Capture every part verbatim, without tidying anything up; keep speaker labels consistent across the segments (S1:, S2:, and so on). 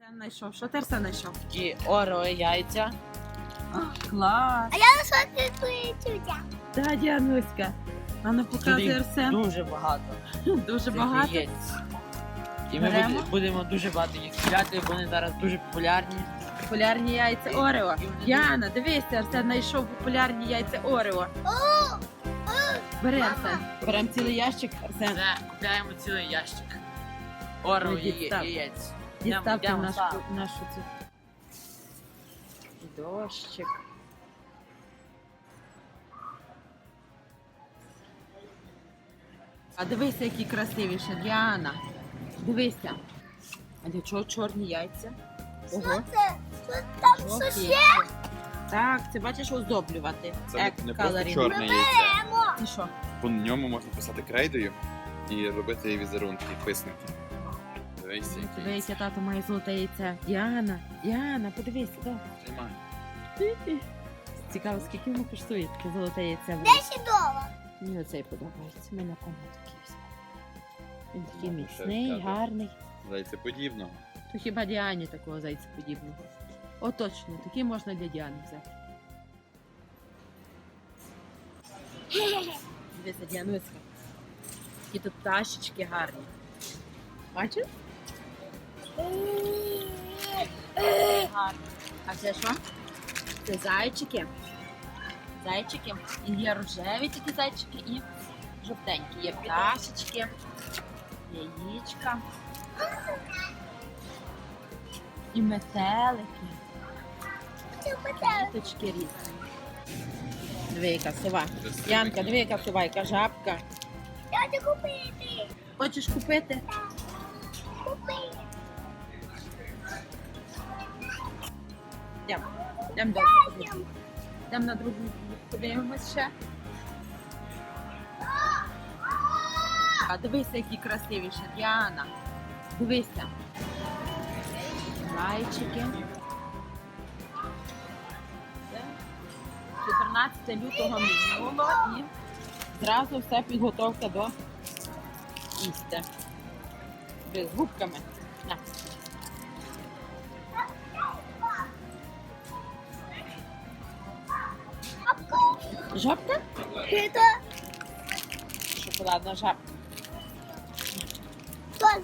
S1: Знайшов. Що ти Арсен знайшов?
S2: І оро яйця.
S1: А, клас.
S3: А я знайшла твої тютя.
S1: Да, Діануська. А ну показуй
S2: Туди
S1: Арсен.
S2: дуже багато.
S1: Дуже
S2: цих
S1: багато.
S2: яєць. І ми
S1: Беремо?
S2: буде- будемо дуже багато їх купляти, вони зараз дуже популярні.
S1: Популярні яйця Орео.
S2: І вони
S1: Діана, дивися, Арсен знайшов популярні яйця Орео. Бери, Арсен. Беремо цілий ящик, Арсен.
S2: Це купляємо цілий ящик. Оро
S1: Ну,
S2: і
S1: дістав.
S2: яєць.
S1: Діставте
S2: Йдемо,
S1: нашу,
S2: ставимо.
S1: нашу цю. Дощик. А дивися, які красивіші, Діана. Дивися. А для чого чорні яйця? Ого.
S3: Що це? Що там що
S1: Жовті
S3: ще?
S1: яйця. Так, це бачиш оздоблювати.
S4: Це не- не просто
S1: Еккалорі.
S4: чорне яйце.
S3: Беремо.
S1: І що?
S4: По ньому можна писати крейдою і робити візерунки, писанки. Дивись,
S1: Диви,
S4: який.
S1: яке тато має золоте яйце. Діана, Діана, подивись, сюди.
S4: Тримай.
S1: Цікаво, скільки воно коштує таке золоте яйце.
S3: десять доларів.
S1: Мені оцей подобається. Ми на кому такий взяли. Він такий
S4: Ну,
S1: міцний,
S4: ще скажу.
S1: гарний.
S4: Зайцеподібного.
S1: То хіба Діані такого зайця подібного? О, точно, такий можна для Діани взяти. Дивися, Діануська. Які тут пташечки гарні. Бачиш? Гарні. А це що? Це зайчики. Зайчики. І є рожеві такі зайчики і жовтенькі. Є пташечки, яєчка. І метелики.
S3: Це метелик.
S1: Квіточки різні. Диви, яка сова.
S4: Красивий.
S1: Янка, диви, яка сова, яка жабка.
S3: Я хочу купити.
S1: Хочеш купити?
S3: Купити.
S1: Йдемо. Йдемо далі. Йдемо на другу. Подивимось ще. А дивися, які красивіші. Діана. Дивися. Зайчики. Це чотирнадцяте лютого минуло і зразу все підготовка до їсти. З губками. На. Жабка?
S3: Це
S1: Шоколадна жабка.
S3: теж.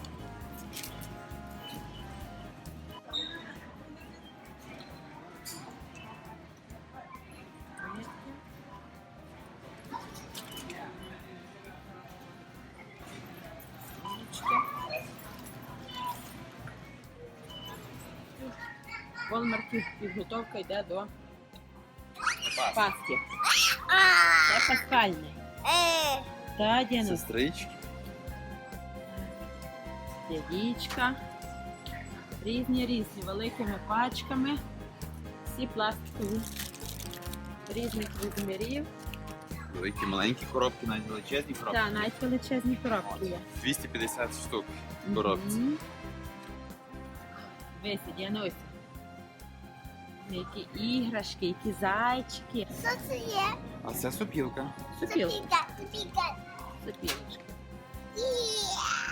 S1: Волмарків підготовка йде до
S4: Пас.
S1: Пасхи.
S3: А.
S1: Це пасхальне.
S3: Е.
S1: Та, Діана,
S4: Сестрички.
S1: яєчка. Різні різні, великими пачками. Всі пластикові. Різних розмірів.
S4: Великі маленькі коробки, навіть величезні коробки.
S1: Та, навіть величезні коробки є.
S4: двісті п'ятдесят штук в коробці.
S1: Мгм. Дивися, Діанусь. Які іграшки, які зайчики.
S3: Що це є?
S4: А це сопілка.
S1: Супілка.
S3: Супіка, супіка.
S1: Супілочка.
S3: Є.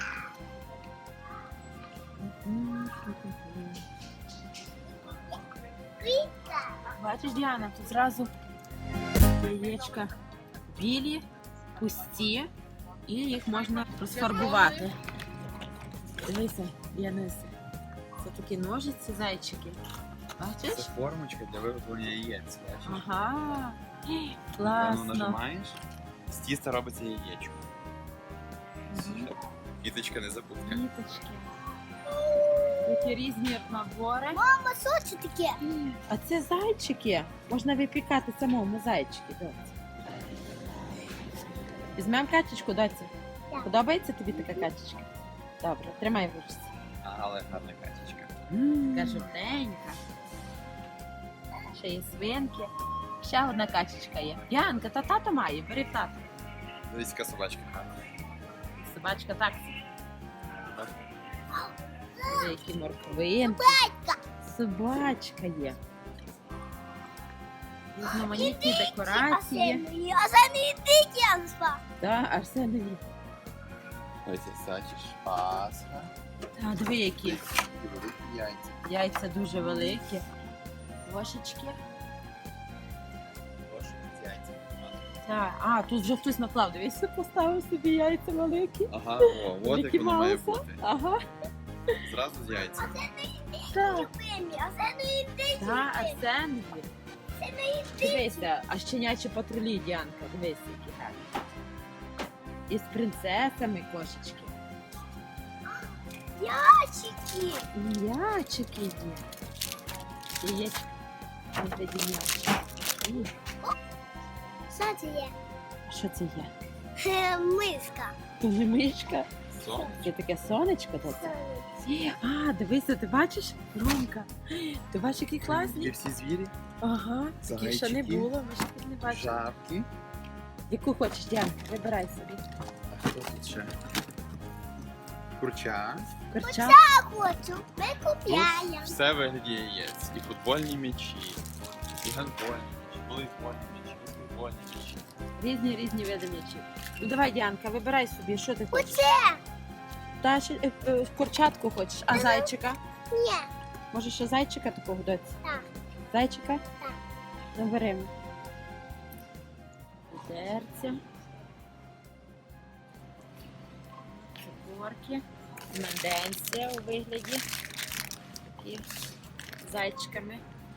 S3: Супіка.
S1: Бачиш, Діана, тут зразу яєчка білі, пусті, і їх можна розфарбувати. Дивися, Діануся, це такі ножиці зайчики.
S4: Це
S1: Бачиш?
S4: формочка для виготовлення яєць. Бачиш?
S1: Ага,
S4: Воно
S1: класно.
S4: нажимаєш, з тіста робиться яєчко.
S1: Мгм.
S4: Квіточка не забудка.
S1: Квіточки. Такі різні набори.
S3: Мама, що це таке?
S1: А це зайчики. Можна випікати самому зайчики, доці. Візьмемо качечку, доці.
S3: Так.
S1: Подобається тобі така качечка? Добре, тримай в ручці.
S4: Але гарна качечка.
S1: Така жовтенька. Ще є свинки. Ще одна качечка є. Янка, та тато має, бери тато.
S4: Дивись, яка собачка гарна.
S1: Собачка так. Які морквинки. Собачка є. Різноманітні декорації.
S3: А це не йдіть, я спав.
S1: Так, Арсенові.
S4: Ось це сачиш. Пасха.
S1: Та, диви які.
S4: І великі яйця. яйця.
S1: Яйця дуже великі. Ложечки.
S4: Ложки з яйця.
S1: Так. А, тут вже хтось наклав. Дивіться, поставив собі яйця великі.
S4: Ага, о, от як
S1: Мікі
S4: воно має
S1: Мауса.
S4: бути.
S1: Ага.
S4: Зразу з яйця.
S1: Так.
S3: Любимі, а це не ідеї.
S1: Так, а це не є.
S3: Це не ідеї.
S1: Дивися, а щенячі патрулі, Діанка, дивися, які гарні. І з принцесами кошечки.
S3: Ящики.
S1: І м'ячики є. І є вигляді м'ячики. І
S3: Що це є?
S1: що це є?
S3: Е, Миска.
S1: Це не мишка.
S4: Сон.
S1: Це таке сонечко тут. А, дивися, ти бачиш? Ромка. Ти бачиш, які
S4: Є
S1: класні?
S4: всі звірі,
S1: Ага, таких ще не
S4: Зайчики.
S1: було, ми ще тут не бачили.
S4: жабки.
S1: Яку хочеш, Діанка, вибирай собі.
S4: А хто тут ще? Курча.
S1: Корча.
S3: Я хочу. Ми купляємо.
S4: Все вигляді яєць. І футбольні м'ячі, і гандбольні м'ячі, волейбольні м'ячі, баскетбольні м'ячі.
S1: Різні різні види м'ячів. Ну давай, Діанка, вибирай собі, що ти хочеш.
S3: Оце.
S1: Та ще е, е, курчатку хочеш, а зайчика?
S3: Ні.
S1: Може ще зайчика такого доці?
S3: Так.
S1: Зайчика?
S3: Так.
S1: Наберемо. Дерця. Цукорки. Менденція у вигляді. Такі з зайчиками.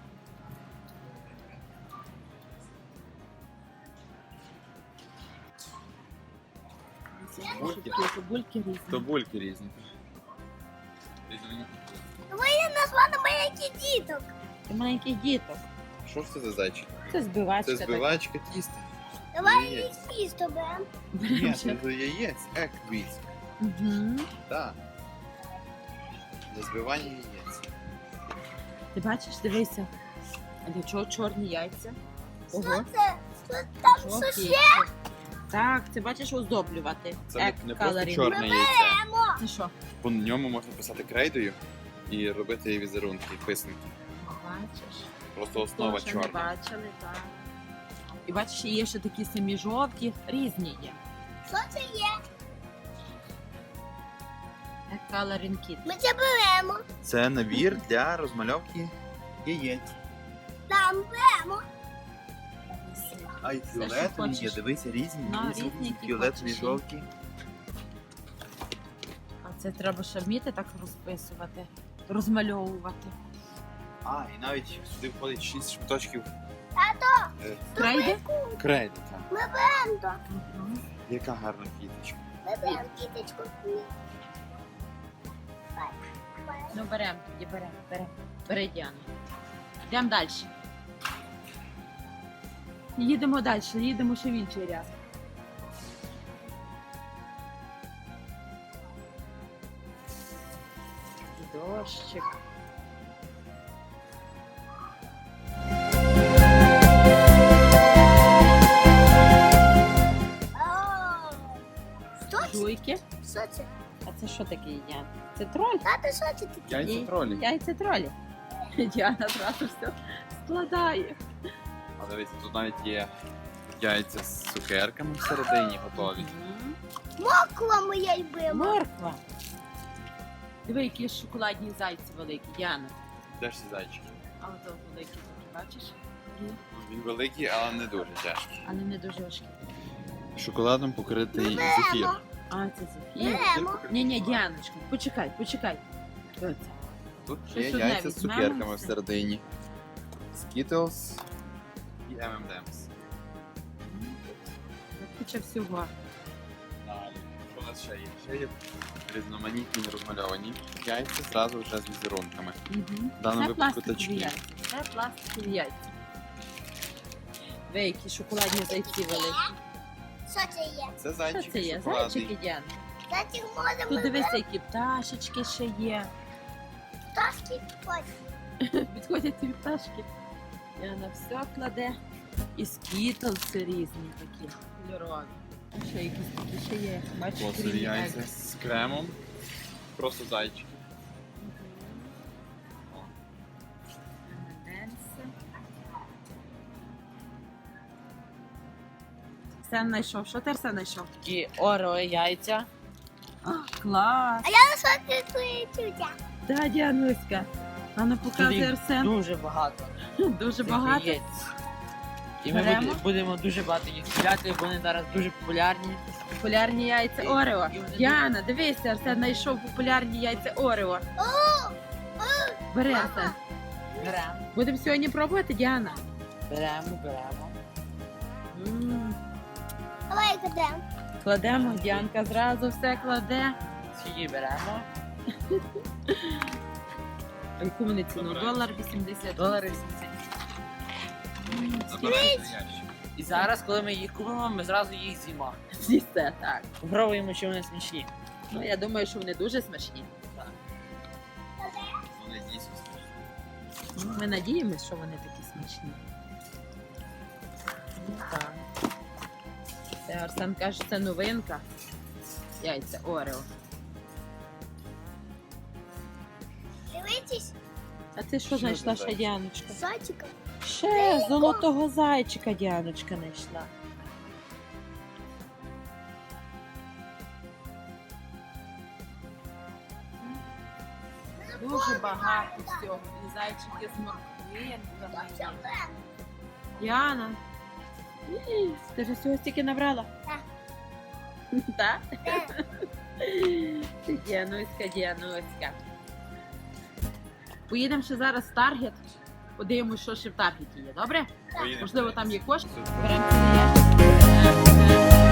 S4: Бульки.
S1: Такі бульки різні.
S4: То бульки різні. Різноманітні.
S3: Ви назвали маленьких діток.
S1: Це маленький діток.
S4: Що ж це за зайчик?
S1: Це збивачка.
S4: Це збивачка тіста.
S3: Давай
S4: Яєць.
S3: тісто беремо.
S4: Ні, це з яєць. Еквіз.
S1: Угу.
S4: Так. Для збивання яєць.
S1: Ти бачиш, дивися. А для чого чорні яйця?
S3: Що
S1: Ого.
S3: це? Що там
S1: Жовті
S3: що ще?
S1: яйця. Так, це бачиш оздоблювати.
S4: Це не, не просто
S1: Ек-калорінг.
S4: чорне яйце.
S3: Беремо.
S1: Це що?
S4: По ньому можна писати крейдою і робити візерунки, писанки.
S1: Бачиш?
S4: Просто основа
S1: Того, що не
S4: чорна.
S1: бачили, так. І бачиш, є ще такі самі жовті, різні є.
S3: Що це є?
S1: Coloring Kit.
S3: Ми це беремо.
S4: Це набір для розмальовки яєць.
S3: Там беремо.
S4: А й
S1: що
S4: фіолетові є,
S1: хочеш.
S4: дивися, різні.
S1: Ну,
S4: різні,
S1: різні, які
S4: фіолетові,
S1: хочеш.
S4: жовті.
S1: А це треба ще вміти так розписувати, розмальовувати.
S4: А, і навіть сюди входить шість шматочків
S3: Тато,
S4: е,
S1: Крейди?
S4: крейди. так.
S3: ми беремо то.
S1: Угу.
S4: Яка гарна квіточка.
S3: Ми беремо кіточку.
S1: Ну беремо тоді, беремо, беремо. Бери, Діана. Йдемо далі. Їдемо далі, їдемо ще в інший ряд. Дощик.
S3: О, Що це?
S1: Жуйки.
S3: Що це?
S1: А це що таке, Діана? Це троль?
S3: Тато, що це таке?
S4: Яйця
S1: Ні.
S4: тролі.
S1: Яйця тролі. Діана одразу все складає.
S4: А дивіться, тут навіть є яйця з цукерками всередині готові.
S1: Мгм.
S3: Мокла моя любима.
S1: Морква. Диви, які шоколадні зайці великі, Діана.
S4: Де ж ці зайчики?
S1: А ото великі такі, бачиш? Є.
S4: Він великий, але не дуже тяжкий.
S1: Але не дуже важкі.
S4: Шоколадом покритий зефір.
S3: Беремо.
S1: А, це зефір.
S3: Беремо.
S1: Ні, ні, Діаночка, почекай, почекай. Що це?
S4: Тут
S1: Щось
S4: є
S1: одне
S4: яйця з
S1: візьмемо.
S4: цукерками всередині. Skittles і ем ем емс.
S1: Куча всього.
S4: Далі. Що у нас ще є? Ще є різноманітні розмальовані яйця зразу вже з візерунками.
S1: Угу.
S4: В даному
S1: Це
S4: випадку
S1: пластикові
S4: тачки.
S1: яйця. Це пластикові яйця. Ви, які шоколадні зайці великі.
S3: Що це є?
S4: Це
S1: Що
S4: зайчики
S1: це є?
S4: шоколадний.
S1: Зайчики, Діана.
S3: Зайчик можемо
S1: Тут дивися, які пташечки ще є.
S3: пташки ходити.
S1: Підходять ці пташки. Діана все кладе. І скітлси різні такі, кольорові. А ще якісь такі ще є. Бачиш,
S4: Пластикові
S1: різні
S4: яйця
S1: яйця.
S4: з кремом. Просто зайчики.
S1: Все знайшов. Що ти все знайшов? Такі оро яйця. А, клас!
S3: А я на що ти твої тютя?
S1: Да, Діануська. А ну
S2: Тут
S1: показує
S2: їх
S1: Арсен.
S2: дуже багато.
S1: Дуже
S2: цих
S1: багато.
S2: яєць. І ми
S1: Беремо.
S2: буде- будемо дуже багато їх купляти, бо вони зараз дуже популярні.
S1: Популярні яйця Орео.
S2: І вони
S1: Яна, дивися, Арсен знайшов популярні яйця Орео. Бери, Арсен.
S2: Беремо,
S1: Будемо сьогодні пробувати, Діана.
S2: беремо, беремо.
S1: М,
S3: Давай кладемо.
S1: Кладемо, Діанка зразу все кладе.
S2: Скільки беремо?
S1: А яку вони ціну?
S4: Добре.
S1: Долар вісімдесят.
S2: Долари сімдесят.
S1: М,
S4: Забирайте ящик.
S2: І зараз, коли ми їх купимо, ми зразу їх з'їмо.
S1: З'їсте, так.
S2: Попробуємо, чи вони смачні.
S1: Ну, я думаю, що вони дуже смачні.
S4: Вони дійсно смачні.
S1: Ну, Ми надіємося, що вони такі смачні. Ну, так. Це Арсен каже, це новинка. Яйця Орео.
S3: Дивитесь,
S1: А ти що
S4: Що
S1: знайшла
S4: за
S1: ще, Діаночка?
S3: зайчика.
S1: Ще золотого зайчика Діаночка знайшла. Дуже багато всього. І зайчики з морквинками. Діана, ій, ти ж всього стільки набрала?
S3: Так.
S1: Так? Діануська, Діануська. Поїдемо ще зараз в Таргет. Подивимось, що ще в Таргеті є, добре?
S4: Поїдемо.
S1: Можливо, там є кошти.
S4: Супер.
S1: Беремо цілий ящик.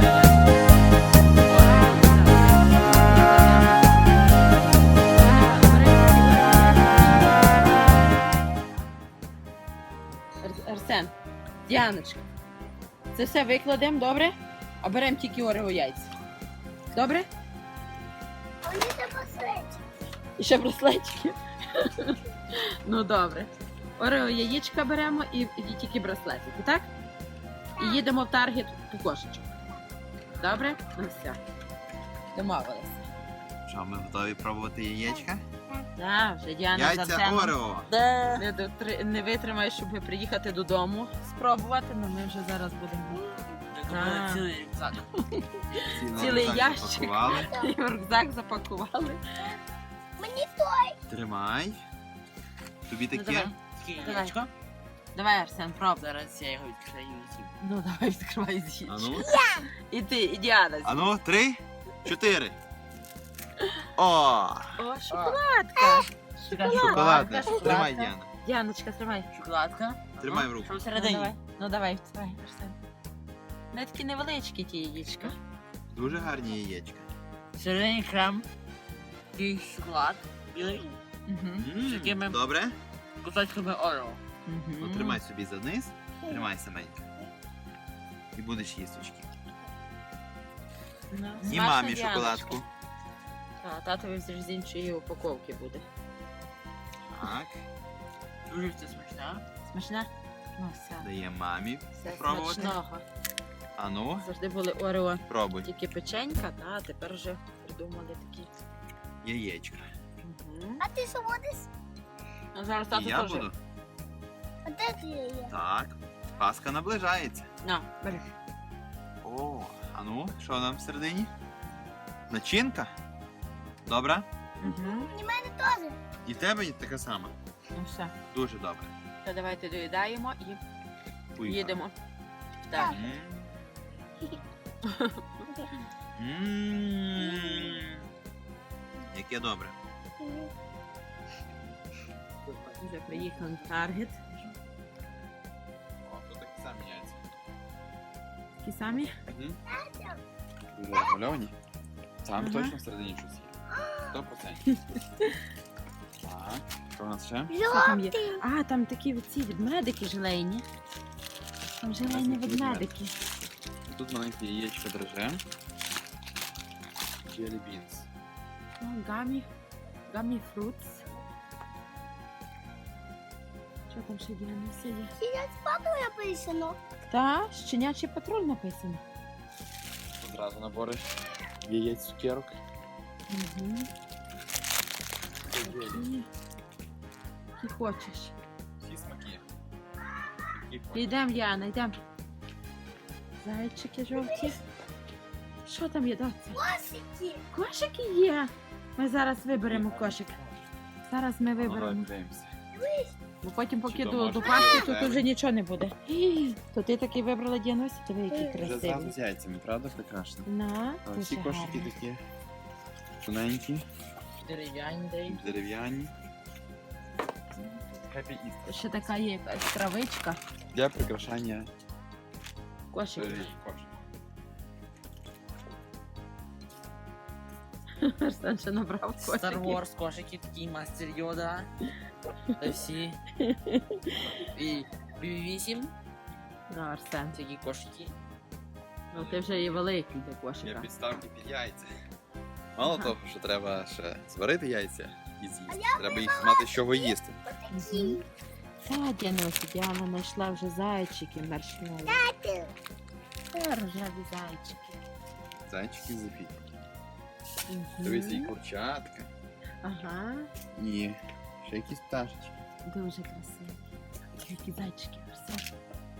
S1: Ар- Арсен, Діаночка, це все викладемо, добре? А беремо тільки Орео яйця. Добре?
S3: А вони тебе сречі.
S1: І ще браслетики. Ну добре. Орео яєчка беремо і, і тільки браслетики, так? І їдемо в Таргет по кошечок. Добре? Ну все. Домовилися.
S4: Що, ми готові пробувати яєчка?
S1: Так, вже Діана з
S4: Яйця
S1: Арсеном
S4: Орео.
S1: не, дотри- не витримає, щоб приїхати додому спробувати, але ми вже зараз будемо.
S2: Ми купили
S1: А.
S2: цілий рюкзак.
S1: Цілий
S4: рюкзак
S1: ящик.
S4: запакували.
S1: І в рюкзак запакували.
S3: Мені то.
S4: Тримай. Тобі
S1: Ну,
S4: таке?
S1: давай.
S2: Скільки
S1: Давай.
S2: яєчко?
S1: Давай, Арсен, пробуй.
S2: Зараз я його відкрию і з'їм.
S1: Ну давай відкривай з'їдь.
S4: А ну.
S1: І ти, і Діана.
S4: А ну, три, чотири. О!
S1: О, шоколадка.
S2: Шоколадка.
S4: Шоколадне.
S1: шоколадка.
S4: Тримай, Діана.
S1: Діаночка, тримай.
S2: Шоколадка.
S4: Тримай
S2: Ну,
S4: в руку.
S2: Що
S1: Ну,
S2: всередині?
S1: давай, ну давай, давай, Арсен. Вони такі невеличкі ті яєчка.
S4: Дуже гарні яєчка.
S2: Всередині крем. Такий шоколад. Білий.
S1: Угу.
S4: М,
S2: Такими-
S4: Добре?
S2: Кусочками Орео.
S4: Ну, тримай собі за низ. Тримай саменько. І будеш їсточки.
S1: Ну,
S4: І
S1: смачно,
S4: мамі
S1: Діаночка.
S4: шоколадку.
S1: А, татові вже з іншої упаковки буде.
S4: Так.
S2: Дуже це смачне.
S1: Смачна? Ну все.
S4: Даємо мамі
S1: Все
S4: пробувати.
S1: смачного.
S4: А ну,
S1: Завжди були Орео
S4: пробуй.
S1: тільки печенька, та а тепер вже придумали такі.
S4: Яєчка.
S1: Угу.
S3: А ти що будеш?
S1: Ну зараз
S4: І
S1: тато
S4: я
S1: теж.
S4: буду.
S3: А де ти є?
S4: Так. Паска наближається.
S1: На, бери.
S4: О, а ну, що там всередині? Начинка? Добре?
S1: Угу.
S3: І в мене теж.
S4: І в тебе така сама.
S1: Ну все.
S4: Дуже добре.
S1: То давайте доїдаємо і
S4: Уй,
S1: їдемо. Так.
S4: М. М. Яке добре.
S1: Вже приїхали в Таргет.
S4: О, тут такі самі яйця.
S1: Такі самі.
S4: Мгм. Дуже розмальовані. Там
S1: Ага.
S4: точно всередині щось є. Сто процентів. Так, що у нас ще?
S1: Що там є?
S3: Жовтий.
S1: А, там такі ці ведмедики желейні. Там желейні
S4: Такі
S1: ведмедики.
S4: Тут маленьке яєчко драже. Jelly beans.
S1: О, гамі. Гамі фрутс. Що там ще є на все є?
S3: Сидять з папою написано.
S1: Та, щенячий патруль написано.
S4: Одразу набори яєць цукерок.
S1: Угу. Які, які хочеш.
S4: Всі смаки. Які хочеш.
S1: Йдемо, Яна, йдемо. Зайчики жовті. Що там є, доця?
S3: Косики.
S1: Кошики є. Ми зараз виберемо кошик. зараз ми
S4: Ну, давай
S1: виберемо.
S4: подивимося.
S1: Бо потім,
S4: Чи
S1: поки
S4: то
S1: до,
S4: може
S1: до
S4: бути
S1: пасти, тут
S4: рожевий?
S1: вже нічого не буде. Ій, то ти такий вибрала Діанусі, диви, який
S4: Вже зразу
S1: красивий.
S4: з яйцями, правда, прекрасно?
S1: На,
S4: А всі
S1: дуже
S4: кошики
S1: гарно.
S4: такі тоненькі,
S2: Дерев'яні дають.
S4: дерев'яні. Happy Easter.
S1: Ще така є якась травичка.
S4: Для прикрашання
S1: Кошик.
S4: е, кошик.
S1: Арсен ще набрав
S2: Star
S1: кошиків.
S2: Wars кошики, такий мастер Йода. Та всі. І бі вісім,
S1: Ну, Арсен,
S2: такі кошики.
S1: ну ти вже є великий для
S4: Є
S1: кошика.
S4: підставки під яйця. Мало
S1: Ага.
S4: того, що треба ще зварити яйця і з'їсти. Треба їх мати з чого їсти.
S1: Мгм. Та, Діанусі, Діана знайшла вже зайчики маршмеллоу.
S3: Тату.
S1: Та, рожеві зайчики.
S4: Зайчики Зефі.
S1: Мгм.
S4: Дивись, і курчатка.
S1: Ага,
S4: І ще якісь пташечки.
S1: дуже красиво. Які зайчики, Арсен.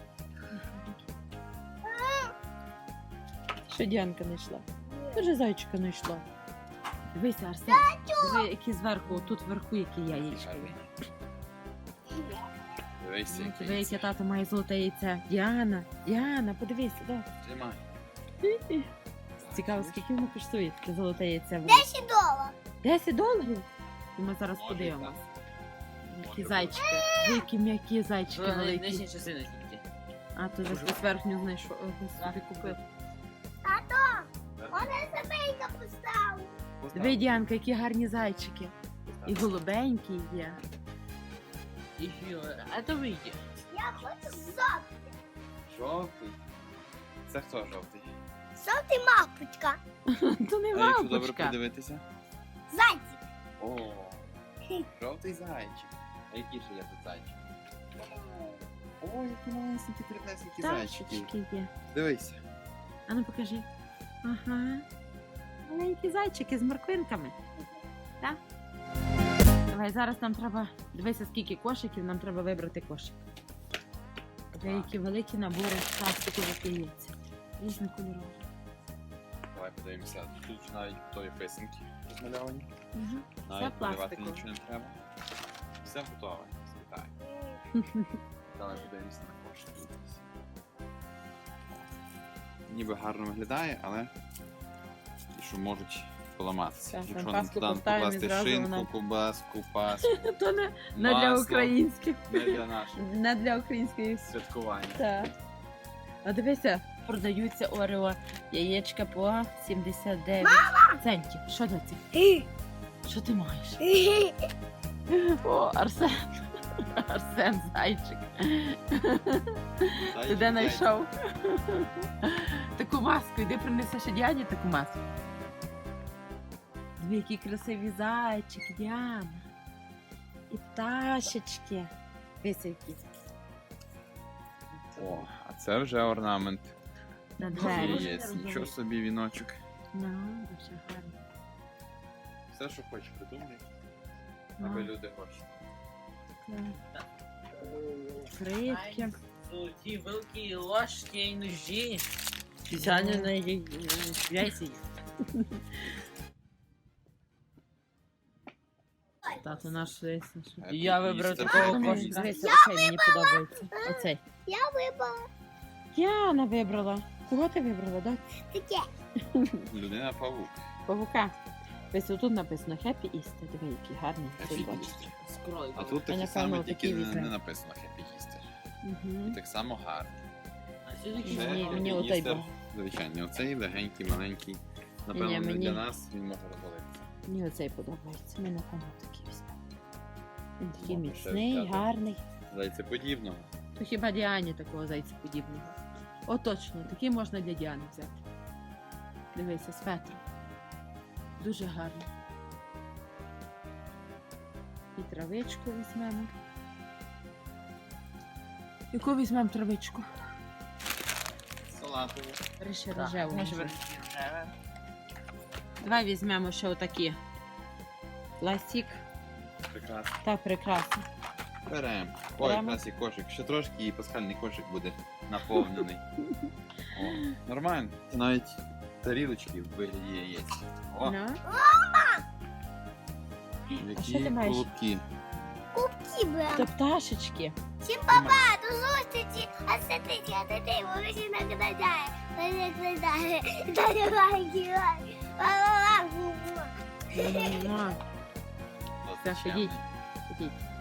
S1: Що Діанка знайшла? Дуже зайчика знайшла. Дивися, Арсен, диви, які зверху, тут вверху які яєчка є.
S4: Дивись,
S1: Ну,
S4: які
S1: Диви, яке
S4: яйця.
S1: тато має золоте яйце. Діана, Діана, подивися, да.
S4: Тримай.
S1: Цікаво, скільки воно коштує таке золоте яйце.
S3: Десять доларів.
S1: десять доларів? І ми зараз
S4: Може,
S1: подивимось.
S4: Може
S1: Які
S4: бути.
S1: зайчики. Диви, які м'які зайчики
S2: Що
S1: великі.
S2: нижні частини тільки.
S1: А, то вже хтось верхню знайшов, е, собі купив.
S3: Вона забейка поставила.
S1: Диви, Діанка, які гарні зайчики. І голубенькі є.
S2: І фіолет. А то вийде.
S3: Я хочу жовтий.
S4: Жовтий. Це хто жовтий?
S3: Жовтий мапочка.
S1: То не
S4: А якщо добре
S1: мавпочка.
S4: подивитися?
S3: Зайчик.
S4: О, жовтий зайчик. А які ще є тут зайчики? О, які малесенькі, дрібнесенькі зайчики.
S1: Пташечки є.
S4: Дивися.
S1: А ну покажи. Ага. Маленькі зайчики з морквинками. Так? Давай, зараз нам треба. Дивися, скільки кошиків, нам треба вибрати кошик. Деякі великі набори пластикових яєць. Різнокольорові.
S4: Давай подивимося. Тут навіть готові писанки розмальовані.
S1: Угу.
S4: Навіть малювати
S1: пластикове.
S4: нічого не треба. Все готове. Спитай. Давай подивимося на кошик. Ніби гарно виглядає, але і що можуть поламатися.
S1: Так,
S4: Якщо
S1: там
S4: нам
S1: паску
S4: туди
S1: поставимо і
S4: покласти
S1: зразу
S4: шинку,
S1: вона-
S4: кубаску, паску,
S1: То не, не для
S4: Масло.
S1: українських.
S4: не для наших
S1: Не для українських.
S4: святкувань.
S1: Так. А дивися, продаються Орео яєчка по сімдесят дев'ять центів. Що до цих? Що ти маєш? О, Арсен. Арсен зайчик. Ти де знайшов? Таку маску, іди принеси ще Діані таку маску. Дві які красиві зайчики, Діана. І пташечки. Дивися які.
S4: О, а це вже орнамент.
S1: На двері.
S4: Є, нічого собі віночок.
S1: Ну, дуже гарно.
S4: Все, що хочеш, придумай, аби
S1: Ну,
S4: люди хочуть.
S1: так. Скрипки.
S2: Золоті вилки, ложки і ножі. Спеціально на яйці.
S1: Тато наш весь.
S2: І я вибрав
S4: Happy
S2: такого
S4: Easter.
S2: кошика.
S1: Дивися, оцей мені подобається. Оцей.
S3: Я вибрала
S1: Яна вибрала. Кого ти вибрала, так?
S3: таке.
S4: Людина павук.
S1: Павука. Ось тут написано Happy Easter. Диви, який гарний.
S4: Happy
S1: цей бачиш.
S4: Easter.
S2: З кроликом.
S4: А тут
S1: А,
S4: таке
S1: напевно,
S4: саме,
S1: такі
S4: тільки не,
S1: візьмемо.
S4: не написано Happy Easter.
S1: Угу.
S4: І так само гарно.
S2: А сюди
S1: Ні,
S4: Це
S1: мені-
S4: Happy
S1: мені отой
S4: Easter,
S1: був.
S4: звичайний. Оцей легенький, маленький. Напевно,
S1: Ні,
S4: не
S1: мені-
S4: для нас він може розвалитися.
S1: Мені оцей подобається. Ми напевно такий візьмемо. Він такий
S4: Можна ще
S1: міцний,
S4: взяти.
S1: гарний.
S4: Зайцеподібного.
S1: То хіба Діані такого зайця подібного? О, точно, такий можна для Діани взяти. Дивися, з фетром. Дуже гарно. І травичку візьмемо. Яку візьмемо травичку?
S4: Салатовий.
S1: Ріше
S2: Так,
S1: рожеву.
S2: може
S1: може.
S2: бути рожеве.
S1: Давай візьмемо ще отакі. Пластик
S4: Прекрасно.
S1: та прикраси.
S4: Беремо. Ой,
S1: Беремо.
S4: якраз і кошик. Ще трошки і пасхальний кошик буде наповнений. О, нормально. Навіть тарілочки в вигляді яєць. О,
S1: Ну. що
S4: Які
S1: ти маєш?
S4: колобки.
S3: Кубки беремо.
S1: Це пташечки.
S3: Всім папа, до зустрічі. А це ти, а це ти, бо ви ще накладає. Накладає. Давай, кивай. Ла-ла-ла, бу-бу.
S1: М,
S4: Зустрічаємо.
S1: Все, сидіть. Сидіть.